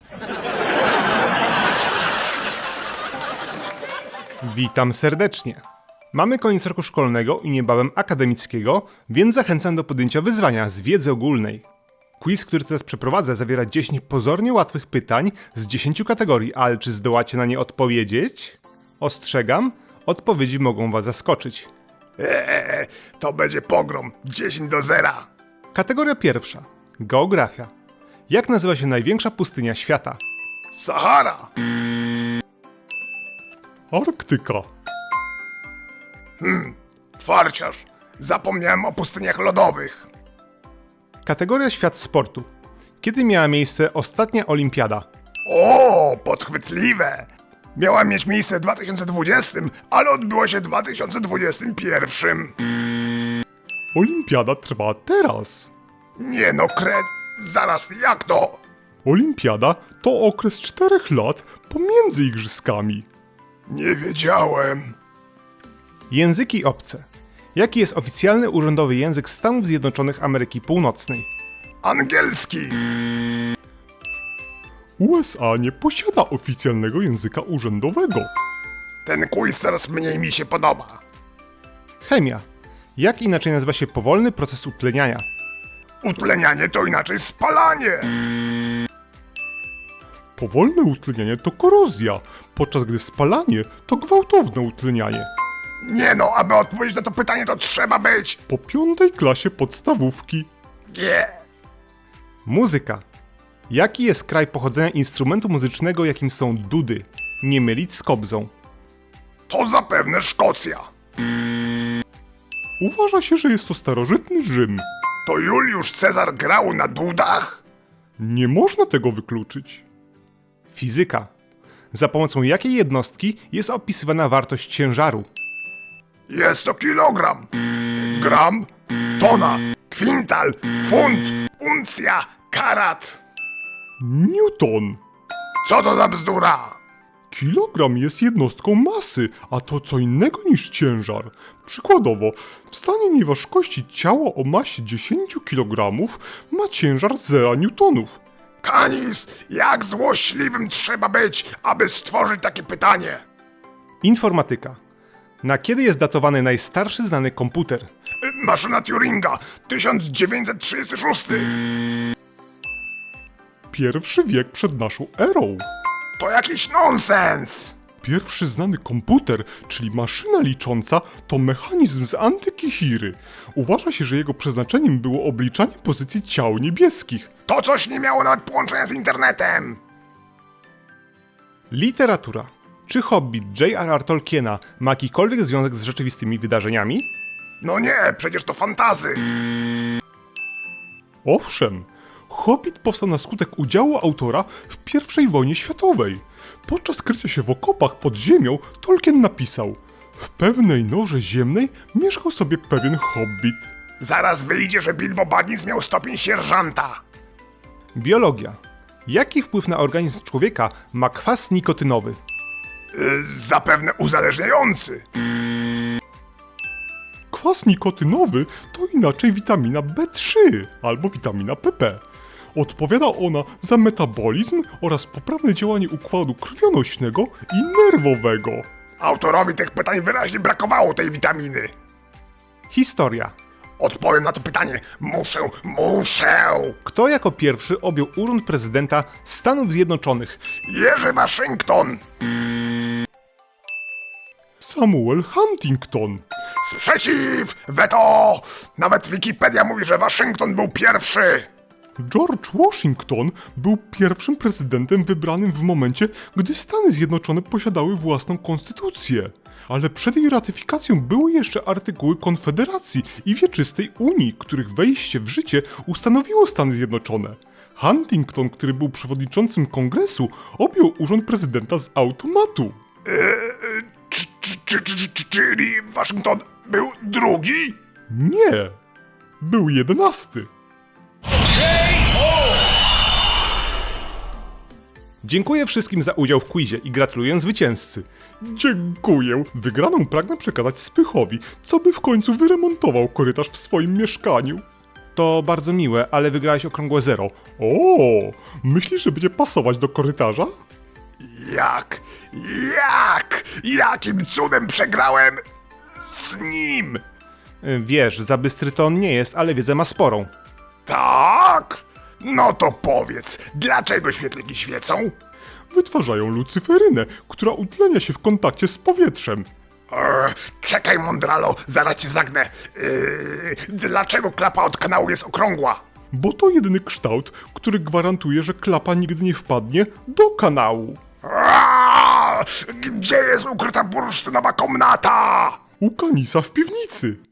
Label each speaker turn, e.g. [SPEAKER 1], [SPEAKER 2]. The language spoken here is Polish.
[SPEAKER 1] Witam serdecznie. Mamy koniec roku szkolnego i niebawem akademickiego, więc zachęcam do podjęcia wyzwania z wiedzy ogólnej. Quiz, który teraz przeprowadzę, zawiera 10 pozornie łatwych pytań z 10 kategorii, ale czy zdołacie na nie odpowiedzieć? Ostrzegam, odpowiedzi mogą was zaskoczyć.
[SPEAKER 2] To będzie pogrom. 10-0.
[SPEAKER 1] Kategoria pierwsza. Geografia. Jak nazywa się największa pustynia świata?
[SPEAKER 2] Sahara.
[SPEAKER 1] Arktyka.
[SPEAKER 2] Farciarz. Zapomniałem o pustyniach lodowych.
[SPEAKER 1] Kategoria świat sportu. Kiedy miała miejsce ostatnia olimpiada?
[SPEAKER 2] O, podchwytliwe. Miała mieć miejsce w 2020, ale odbyła się w 2021.
[SPEAKER 1] Olimpiada trwa teraz.
[SPEAKER 2] Nie no, zaraz, jak to?
[SPEAKER 1] Olimpiada to okres 4 lat pomiędzy igrzyskami.
[SPEAKER 2] Nie wiedziałem.
[SPEAKER 1] Języki obce. Jaki jest oficjalny urzędowy język Stanów Zjednoczonych Ameryki Północnej?
[SPEAKER 2] Angielski.
[SPEAKER 1] USA nie posiada oficjalnego języka urzędowego.
[SPEAKER 2] Ten quiz coraz mniej mi się podoba.
[SPEAKER 1] Chemia. Jak inaczej nazywa się powolny proces utleniania?
[SPEAKER 2] Utlenianie to inaczej spalanie.
[SPEAKER 1] Powolne utlenianie to korozja, podczas gdy spalanie to gwałtowne utlenianie.
[SPEAKER 2] Nie no, aby odpowiedzieć na to pytanie, to trzeba być...
[SPEAKER 1] Po 5. klasie podstawówki.
[SPEAKER 2] G.
[SPEAKER 1] Muzyka. Jaki jest kraj pochodzenia instrumentu muzycznego, jakim są dudy? Nie mylić z kobzą.
[SPEAKER 2] To zapewne Szkocja.
[SPEAKER 1] Uważa się, że jest to starożytny Rzym.
[SPEAKER 2] To Juliusz Cezar grał na dudach?
[SPEAKER 1] Nie można tego wykluczyć. Fizyka. Za pomocą jakiej jednostki jest opisywana wartość ciężaru?
[SPEAKER 2] Jest to kilogram. Gram, tona, kwintal, funt, uncja, karat.
[SPEAKER 1] Newton.
[SPEAKER 2] Co to za bzdura?
[SPEAKER 1] Kilogram jest jednostką masy, a to co innego niż ciężar. Przykładowo, w stanie nieważkości ciało o masie 10 kg ma ciężar 0 newtonów.
[SPEAKER 2] Kanis, jak złośliwym trzeba być, aby stworzyć takie pytanie?
[SPEAKER 1] Informatyka. Na kiedy jest datowany najstarszy znany komputer?
[SPEAKER 2] Maszyna Turinga, 1936.
[SPEAKER 1] Pierwszy wiek przed naszą erą.
[SPEAKER 2] To jakiś nonsens.
[SPEAKER 1] Pierwszy znany komputer, czyli maszyna licząca, to mechanizm z antyki Chiry. Uważa się, że jego przeznaczeniem było obliczanie pozycji ciał niebieskich.
[SPEAKER 2] To coś nie miało nawet połączenia z internetem.
[SPEAKER 1] Literatura. Czy Hobbit J.R.R. Tolkiena ma jakikolwiek związek z rzeczywistymi wydarzeniami?
[SPEAKER 2] No nie, przecież to fantazy.
[SPEAKER 1] Owszem, Hobbit powstał na skutek udziału autora w I wojnie światowej. Podczas krycia się w okopach pod ziemią Tolkien napisał: w pewnej norze ziemnej mieszkał sobie pewien hobbit.
[SPEAKER 2] Zaraz wyjdzie, że Bilbo Baggins miał stopień sierżanta.
[SPEAKER 1] Biologia. Jaki wpływ na organizm człowieka ma kwas nikotynowy?
[SPEAKER 2] Zapewne uzależniający.
[SPEAKER 1] Kwas nikotynowy to inaczej witamina B3 albo witamina PP. Odpowiada ona za metabolizm oraz poprawne działanie układu krwionośnego i nerwowego.
[SPEAKER 2] Autorowi tych pytań wyraźnie brakowało tej witaminy.
[SPEAKER 1] Historia.
[SPEAKER 2] Odpowiem na to pytanie. Muszę.
[SPEAKER 1] Kto jako pierwszy objął urząd prezydenta Stanów Zjednoczonych?
[SPEAKER 2] Jerzy Waszyngton.
[SPEAKER 1] Samuel Huntington.
[SPEAKER 2] Sprzeciw! Weto! Nawet Wikipedia mówi, że Waszyngton był pierwszy.
[SPEAKER 1] George Washington był pierwszym prezydentem wybranym w momencie, gdy Stany Zjednoczone posiadały własną konstytucję. Ale przed jej ratyfikacją były jeszcze artykuły Konfederacji i Wieczystej Unii, których wejście w życie ustanowiło Stany Zjednoczone. Huntington, który był przewodniczącym kongresu, objął urząd prezydenta z automatu.
[SPEAKER 2] Czyli Waszyngton był drugi?
[SPEAKER 1] Nie, był 11. Dziękuję wszystkim za udział w quizie i gratuluję zwycięzcy. Dziękuję. Wygraną pragnę przekazać Spychowi, co by w końcu wyremontował korytarz w swoim mieszkaniu. To bardzo miłe, ale wygrałeś okrągłe 0. O, myślisz, że będzie pasować do korytarza?
[SPEAKER 2] Jak? Jakim cudem przegrałem z nim?
[SPEAKER 1] Wiesz, za bystry to on nie jest, ale wiedzę ma sporą.
[SPEAKER 2] Tak? No to powiedz, dlaczego świetliki świecą?
[SPEAKER 1] Wytwarzają lucyferynę, która utlenia się w kontakcie z powietrzem.
[SPEAKER 2] Czekaj, mądralo, zaraz cię zagnę. Dlaczego klapa od kanału jest okrągła?
[SPEAKER 1] Bo to jedyny kształt, który gwarantuje, że klapa nigdy nie wpadnie do kanału.
[SPEAKER 2] Gdzie jest ukryta bursztynowa komnata?
[SPEAKER 1] U Kanisa w piwnicy.